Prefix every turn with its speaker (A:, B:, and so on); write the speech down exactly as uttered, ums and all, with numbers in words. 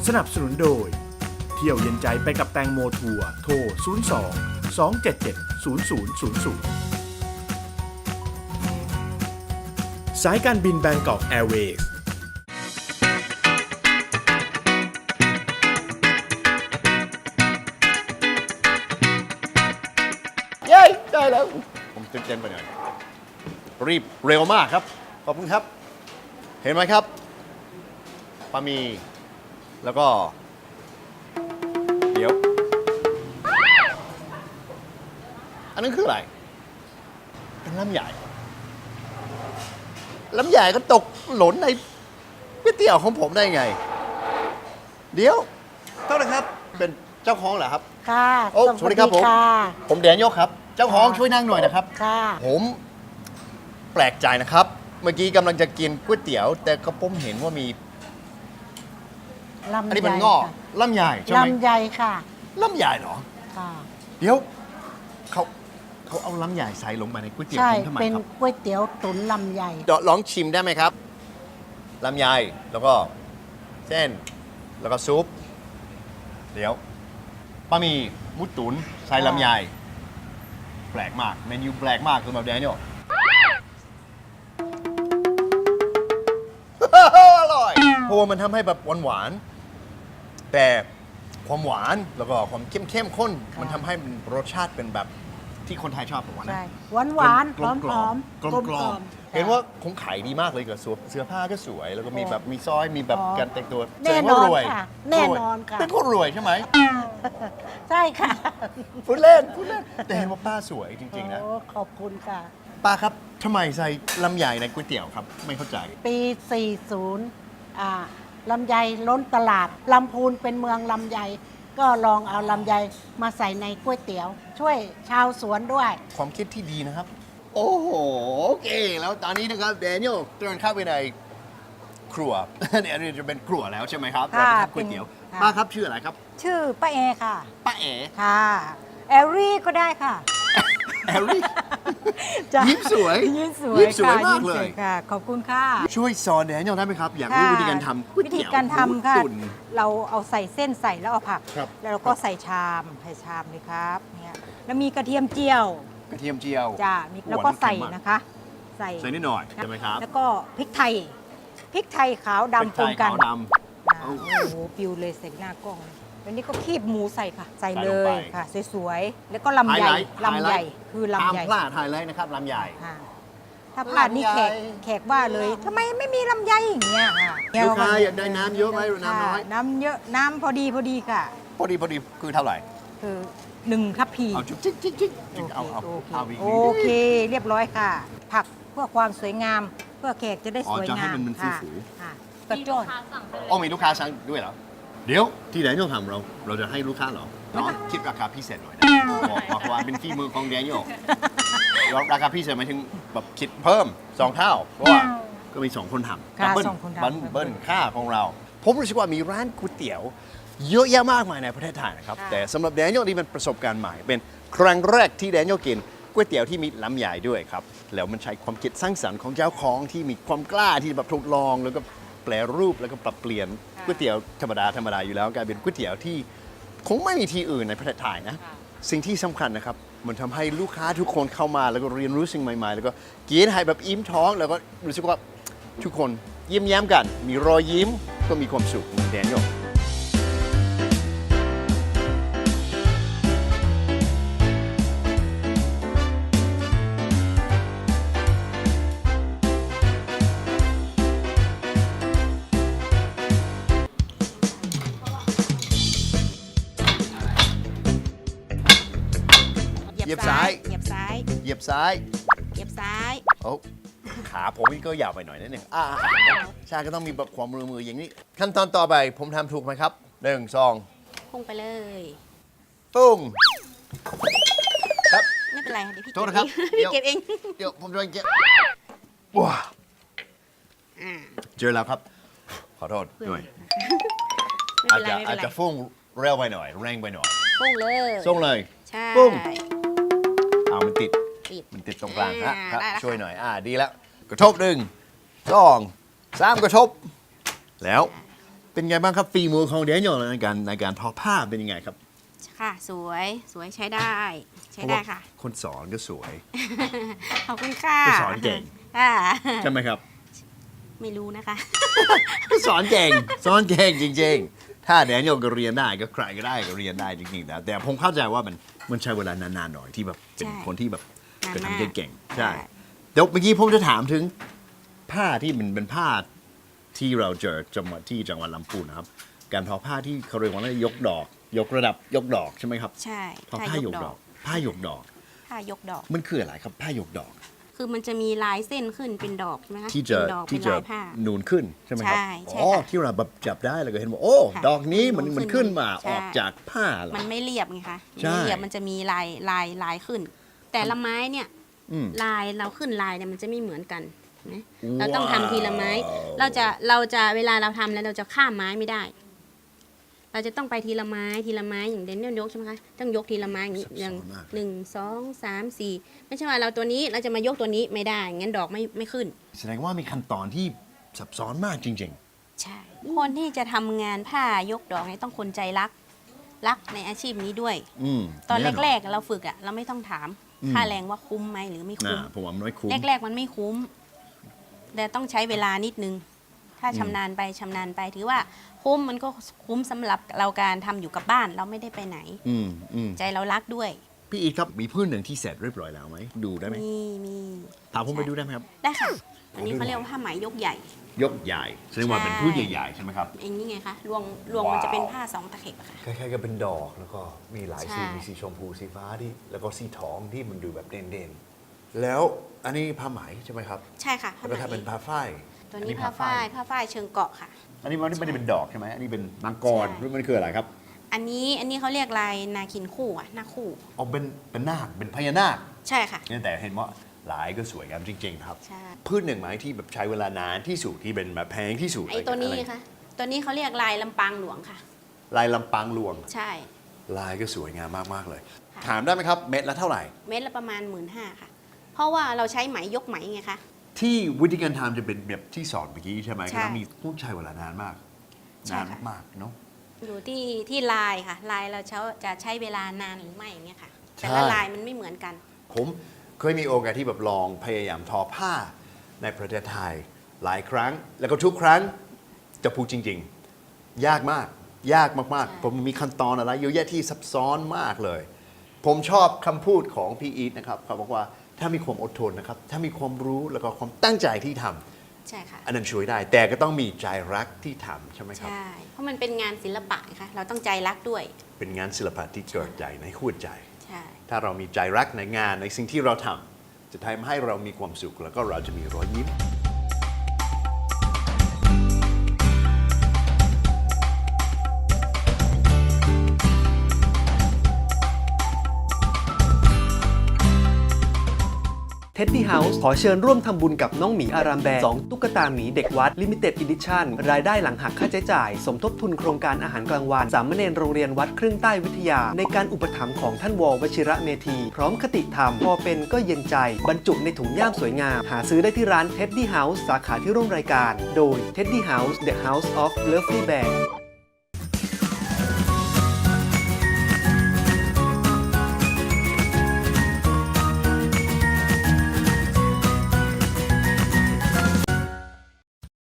A: สนับสนุนโดยเที่ยวเย็นใจไปกับแตงโมทัวร์โทร ศูนย์ สอง สอง เจ็ด เจ็ด ศูนย์ ศูนย์ ศูนย์ ศูนย์ สายการบินแบงกอกแอร์เวย์ส
B: เย้ได้แล้วผมตื่นเต้นไปหน่อยรีบเร็วมากครับขอบคุณครับเห็นไหมครับปลาหมี่แล้วก็เดี๋ยวอันนั้นคืออะไรเป็นลำใหญ่ลำใหญ่ก็ตกหล่นในก๋วยเตี๋ยวของผมได้ไงเดี๋ยวเท่าไหร่ครับเป็นเจ้าของเหรอครับ
C: ค่ะ
B: โอ้สวัสดีครับผม
C: ค่ะ
B: ผมแดเนียลครับเจ้าของช่วยนั่งหน่อยนะครับ
C: ค่ะ
B: ผมแปลกใจนะครับ เมื่อกี้กำลังจะกินก๋วยเตี๋ยว แต่ก็ผมเห็นว่ามี
C: ลำไย
B: อันนี้เป็นงอก
C: ค่ะ
B: ลำใหญ่ใช่ไหม
C: ลำไยค่ะ
B: ลำใหญ่เหรอ
C: ค่ะ
B: เดี๋ยวเขาเขาเอาลำใหญ่ใส่ลงไปในก๋วยเตี๋ยว
C: ใช่
B: ผมทำไม
C: เป็น
B: ครับ
C: ก๋วยเตี๋ยวตุ๋นลำไย
B: เดี๋ยวลองชิมได้ไหมครับลำใหญ่แล้วก็เส้นแล้วก็ซุปเดี๋ยวบะหมี่หมูตุ๋นใส่ลำไยแปลกมากเมนูแปลกมากสำหรับแดเนียล อร่อยเพราะว่ามันทำให้แบบหวานๆแต่ความหวานแล้วก็ความเข้มเข้มข้น
C: ค่ะ
B: มันทำให้มันรสชาติเป็นแบบที่คนไทยชอบผมว่านะ
C: ใช่หวานหวานหอมหอม
B: กลมกลอมเห็นว่าคงขายดีมากเลยกับเสื้อผ้าก็สวย แล้วก็มีแบบมีสร้อยมีแบบการแต่งตัว
C: แน่นอน
B: รวย
C: ค่ะ แน่นอนค่ะ
B: เป็นคนรวยใช่ไหม
C: ใช่ค่ะ
B: พูดเล่นพูดเล่นแต่เห็นว่าป้าสวยจริงๆนะ
C: โอ้ขอบคุณค่ะ
B: ป้าครับทำไมใส่ลำไยในก๋วยเตี๋ยวครับไม่เข้าใจ
C: ปี สี่สิบ อ่าลำไยล้นตลาด ลำพูนเป็นเมืองลำไย ก็ลองเอาลำไยมาใส่ในก๋วยเตี๋ยว ช่วยชาวสวนด้วย
B: ความคิดที่ดีนะครับ โอ้โหโอเค แล้วตอนนี้นะครับแดเนียลเดินเข้าไปในครัว เนี่ยอันนี้จะเป็นครัวแล้วใช่ไหมครับ
C: ค่ะ
B: เราจะทำก๋วยเตี๋ยว
C: เป็นค่ะ
B: ป้าครับชื่ออะไรครับ
D: ชื่อป้าเอค่ะ
B: ป้าเอ๋
D: ค่ะแอลลี่ก็ได้ค่ะ
B: แอลลี่
D: จ้ะ
B: ยิ้มสวย
D: ยิ้มสวย
B: ยิ้มสวย
D: ค่ะ
B: มากเลย
D: มสวค่ะ ขอบคุณค่ะ
B: ช่วยสอนแดเนียลได้ไหมครับ อยากรู้
D: ค่ะ
B: วิธีการทำก๋วย
D: วิ
B: เตี๋
D: ธี
B: ยว
D: การทำค่ะ
B: หมูตุ๋น
D: เราเอาใส่เส้นใส่แล้วเอาผัก
B: ครับ
D: แล้วเราก็ใส่ชามใส่ชามเลยครับเนี่ยแล้วมีกระเทียมเจียว
B: กระเทียมเจียว
D: จ้ะมี
B: โอ้
D: แล้วก็ใส่
B: อันนี้เค็มมาก
D: นะคะ ใส่
B: ใส่นิดหน่อยใช่ไหมครับ
D: แล้วก็พริกไทยพริกไทยขาว
B: พริก
D: ดำ
B: ไท
D: ปน
B: ย
D: กัน
B: ขาวด
D: อ่า
B: เอา
D: โอ้โหปิวเลยใส่หน้ากล้องแล้วนี่ก็คีบหมูใส่ค่ะ ใส่
B: ใส่
D: เล
B: ลงไป
D: ยค่ะสวยๆแล้วก็ลำไย
B: ไฮไลท์
D: ลำไย
B: ไฮไลท์
D: คือ
B: ำตาม
D: ลำไย
B: พลาดไฮไลท์นะครับลำใหญ่
D: ค่ะถ้าพลาดนี่แขก
B: ลำไย
D: แขกว่าเลยทำไมไม่มีลำไยอย่างเงี้ยค่ะ
B: ลูกค้าอยากได้น้ำเยอะไหมหรือน้ำน้อย
D: ค่ะน้ำเยอะน้ำพอดีพอดีค่ะ
B: พอดีพอดีคือเท่าไหร่
D: คือหนึ่งทัพพี
B: เอาจิ๊กจิ๊กจิ๊กจิ๊กจิ๊กเอาเอา
D: โอเค
B: เอาอีก
D: โอเค เรียบร้อยค่ะ ผักเพื่อความสวยงาม เพื่อแขกจะได้
B: อ๋อ
D: สวย
B: จะให้
D: งาม
B: มันมัน
D: ค่ะ
B: ฟู
D: ค่ะกระโจน
B: อ๋อมีลูกค้าสั่งด้วยเหรอ เดี๋ยวที่แดเนียลทำเรา เราจะให้ลูกค้าเหรอน้องคิดราคาพิเศษหน่อยนะบอกบอกว่าเป็นฝีมือของแดเนียลแล้วราคาพิเศษหมายถึงแบบคิดเพิ่มสองเท่า เพราะว่าก็มีสองคนทำ
D: ค่ะ
B: เบิ้ล
D: สองคนทำ
B: เบิ้ลเบิ้ลค่าของเรา ผมรู้สึกว่ามีร้านก๋วยเตี๋ยว เยอะแยะมากมายในประเทศไทยนะครับ แต่สำหรับแดเนียลนี่เป็นประสบการณ์ใหม่ เป็นครั้งแรกที่แดเนียลกินก๋วยเตี๋ยวที่มีลำใหญ่ด้วยครับ แล้วมันใช้ความคิดสร้างสรรค์ของเจ้าของที่มีความกล้าที่แบบทดลอง แล้วก็แปลรูปแล้วก็ปรับเปลี่ยนก๋วยเตี๋ยวธรรมดาธรรมดาอยู่แล้วกลายเป็นก๋วยเตี๋ยวที่คงไม่มีที่อื่นในประเทศไทยนะ สิ่งที่สำคัญนะครับ มันทำให้ลูกค้าทุกคนเข้ามาแล้วก็เรียนรู้สิ่งใหม่ๆ แล้วก็กินให้แบบอิ่มท้อง แล้วก็รู้สึกว่าทุกคนยิ้มแย้มกัน มีรอยยิ้มก็มีความสุขเหมือนแดเนียล เหยียบซ้าย
D: เหยียบซ้าย
B: เหยียบซ้าย
D: เหยียบซ้าย
B: โอ้ขาผมนี่ก็ยาวไปหน่อยนิดนึงอ่าใช่ก็ต้องมีแบบความมือมืออย่างนี้ ขั้นตอนต่อไปผมทำถูกไหมครับหนึ่งสอง
D: พุ่งไปเลย
B: ตุ้งครับ
D: ไม่เป็นไรเดี๋ยวพี่
B: โทษนะครับ
D: พี่เก็บเอง
B: เดี๋ยวผมจะเก็บว้าเจอแล้วครับ ขอโทษด้วย
D: ไม่
B: อาจ
D: เป็นไร
B: จะ
D: ไม่
B: อา
D: เป็
B: จ
D: นไร
B: จะฟุ้งเร็วไปหน่อย แรงไปหน่อย
D: พุ่งเลย
B: ส่งเลย
D: ใช่
B: ปุ้ง เอามันติด
D: ติด
B: มันติดตรงกลางฮะ
D: อ่า
B: ครับ
D: ได้แล้ว
B: ช่วยหน่อย อ่า ดีแล้ว กระทบหนึ่งสองสามกระทบ แล้วเป็นไงบ้างครับฝีมือของแดเนียลในการในการทอผ้าเป็นยังไงครับ
E: ค่ะสวยสวยใช้ได้ใช้ได้ค่ะ
B: เพราว่าคนสอนก็สวย
E: ขอบคุณค่ะ
B: ก็สอนเก่ง
E: ค่ะ
B: ใช่ไหมครับ
E: ไม่รู้นะคะ
B: สอนเก่งสอนเก่งจริงๆ ถ้าแดเนียลก็เรียนได้ก็ใครก็ได้ก็เรียนได้จริงๆนะแต่ผมเข้าใจว่ามันมันใช้เวลานานๆหน่อยที่แบบเป็น
E: ใช่
B: คนที่แบบ
E: นาน
B: จะ
E: มาก
B: ทำเก่งๆ
E: ใช่
B: ใช่เดี๋ยวเมื่อกี้ผมจะถามถึงผ้าที่มันเป็นผ้าที่เราเจอจังหวัดที่จังหวัดลำพูนนะครับ การทอผ้าที่เขาเรียกว่ายกดอก ยกระดับยกดอกใช่ไหมครับ
E: ใช่
B: ทอผ้ายกดอก ผ้ายกดอก
E: ผ้ายกดอก
B: มันคืออะไรครับผ้ายกดอก
E: คือมันจะมีลายเส้นขึ้นเป็นดอกใช่ไหมคะ
B: ที่จะ
E: เป็นดอก
B: ที่
E: เป็น
B: จะ
E: ลายผ้า
B: นูนขึ้นใช่ไหมครับ
E: ใช่ใช่
B: อ๋อ
E: ค่ะ
B: ที่เราแบบจับได้แล้วก็เห็นว่าโอ้
E: ค่ะ
B: ดอกนี้มัน
E: นูน
B: มัน
E: ขึ้
B: ขึ้น
E: น
B: มา
E: ใช่
B: ออกจากผ้าเหรอ
E: มันไม่เรียบไงคะ
B: ใช่
E: ไม่เรียบมันจะมีลายลายลายขึ้น แต่ละไม้เนี่ย
B: อืม
E: ลายเราขึ้นลายเนี่ยมันจะไม่เหมือนกันนะ
B: ว้าว
E: เราต้องทำทีละไม้ เราจะเราจะเวลาเราทำแล้วเราจะข้ามไม้ไม่ได้ เราจะต้องไปทีละไม้ทีละไม้อย่างเดนเนียลยกใช่ไหมคะต้องยกทีละไม้อย่างนี้
B: ซับซ้อน
E: อย่าง
B: มากเลย
E: หนึ่งสองสามสี่ไม่ใช่ว่าเราตัวนี้เราจะมายกตัวนี้ไม่ได้งั้นดอกไม่ไม่ขึ้น
B: แสดงว่ามีขั้นตอนที่ซับซ้อนมากจริง
E: ใช่ คนที่จะทำงานผ้ายกดอกเนี่ยต้องคนใจรัก รักในอาชีพนี้ด้วย
B: ๆ อืม
E: ตอน
B: แ
E: แรกๆเราฝึกอะเราไม่ต้องถาม
B: อืม
E: ค่าแรงว่าคุ้มไหมหรือไม่
B: ๆ
E: คุ้ม
B: นะผมว่ามันไม่คุ้ม
E: แรกๆมันไม่คุ้ม แต่ต้องใช้เวลานิดนึง ถ้า
B: อืม
E: ชำนาญไปชำนาญไปถือว่าคุ้มมันก็คุ้มสำหรับเราการทำอยู่กับบ้านเราไม่ได้ไปไหน
B: อืมอืม
E: ใจเรารักด้วย
B: พี่อีทครับมีพื้นหนึ่งที่เสร็จเรียบร้อยแล้วไหมดูได้ไหม
E: มีมี
B: พาผมไปดูได้ไหมครับ
E: ได้ค่ะ อันนี้เขาเรียกว่าผ้าไหมยกใหญ่
B: ยกใหญ่แสดงว่าเป็นพื้นใหญ่ๆใช่ไหมครับ
E: เองนี่ไงคะรวงรวงมันจะเป็นผ้าสองตะเข็บอะค่ะ
F: คล้ายๆกับเป็นดอกแล้วก็มีหลายสี
E: ใช่
F: มีสีชมพูสีฟ้าที่แล้วก็สีทองที่มันดูแบบเด่นๆ แล้วอันนี้ผ้าไหมใช่ไหมครับ
E: ใช่ค่ะผ้า
F: แล้ว
E: ไหม
F: ก็ถ้าเป็นผ้าฝ้าย
E: ตัวนี้ผ้าฝ้ายผ้าฝ้ายเชิงเกาะค่ะ
B: อันนี้มันไม่ได้เป็นดอกใช่ไหมอันนี้เป็นมังกร
E: ใช่
B: หรือมันคืออะไรครับ
E: อันนี้อันนี้เขาเรียกลายนาคินคู่อะหน้าคู่
B: เอาเป็นเป็นนาคเป็นพญานาค
E: ใช่ค่ะ
B: เนี่ยแต่เห็นว่าหลายก็สวยงามจริงๆครับ
E: ใช่
B: พืชหนึ่งไม้ที่แบบใช้เวลานานที่สุดที่เป็นแบบแพงที่สุด
E: ไอ้ตัวนี้
B: อะไร
E: ค่ะ ตัวนี้เขาเรียกลายลำปางหลวงค่ะ
B: ลายลำปางหลวง
E: ใช่
B: ลายก็สวยงามมากๆเลย
E: ค่ะ
B: ถามได้ไหมครับเม็ดละเท่าไหร่
E: เม็ดละประมาณหมื่นห้าค่ะ เพราะว่าเราใช้ไหมยกไหมไงคะ
B: ที่วิธีการทำจะเป็นแบบที่สอนเมื่อกี้ใช่ไหม
E: ใช่
B: ก็ต้องมีต้องใช้เวลานานมาก
E: ใช่
B: นาน
E: ค่ะ
B: มากๆเนาะ
E: อยู่ที่ที่ลายค่ะ ลายเราเช้าจะใช้เวลานานหรือไม่อย่างเงี้ยค่ะ
B: ใช่
E: แต่ละลายมันไม่เหมือนกัน
B: ผมเคยมีโอกาสที่แบบลองพยายามทอผ้าในประเทศไทยหลายครั้ง แล้วก็ทุกครั้งจะพูดจริง ๆ ยากมาก ยากมาก
E: ใช่
B: ๆ ผมมีขั้นตอนอะไรเยอะแยะที่ซับซ้อนมากเลย ผมชอบคำพูดของพี่อีทนะครับเขาบอกว่าถ้ามีความอดทนนะครับ ถ้ามีความรู้แล้วก็ความตั้งใจที่ทำ
E: ใช่ค่ะ
B: อันนั้นช่วยได้ แต่ก็ต้องมีใจรักที่ทำใช่ไหมครับ
E: ใช่ เพราะมันเป็นงานศิลปะไงคะเราต้องใจรักด้วย
B: เป็นงานศิลปะที่เกิดใจในหัวใจ
E: ใช่
B: ถ้าเรามีใจรักในงานในสิ่งที่เราทำจะทำให้เรามีความสุขแล้วก็เราจะมีรอยยิ้ม
G: เท็ดดี้เฮาส์ขอเชิญร่วมทำบุญกับน้องหมีอารามแบร์สองตุ๊กตาหมีเด็กวัด Limited Edition รายได้หลังหักค่าใช้จ่าย สมทบทุนโครงการอาหารกลางวัน สามเณรโรงเรียนวัดครึ่งใต้วิทยา ในการอุปถัมภ์ของท่านววชิระเมธี พร้อมคติธรรม พอเป็นก็เย็นใจ บรรจุในถุงย่ามสวยงาม หาซื้อได้ที่ร้าน Teddy House สาขาที่ร่วมรายการ โดย Teddy House The House of Lovely Bear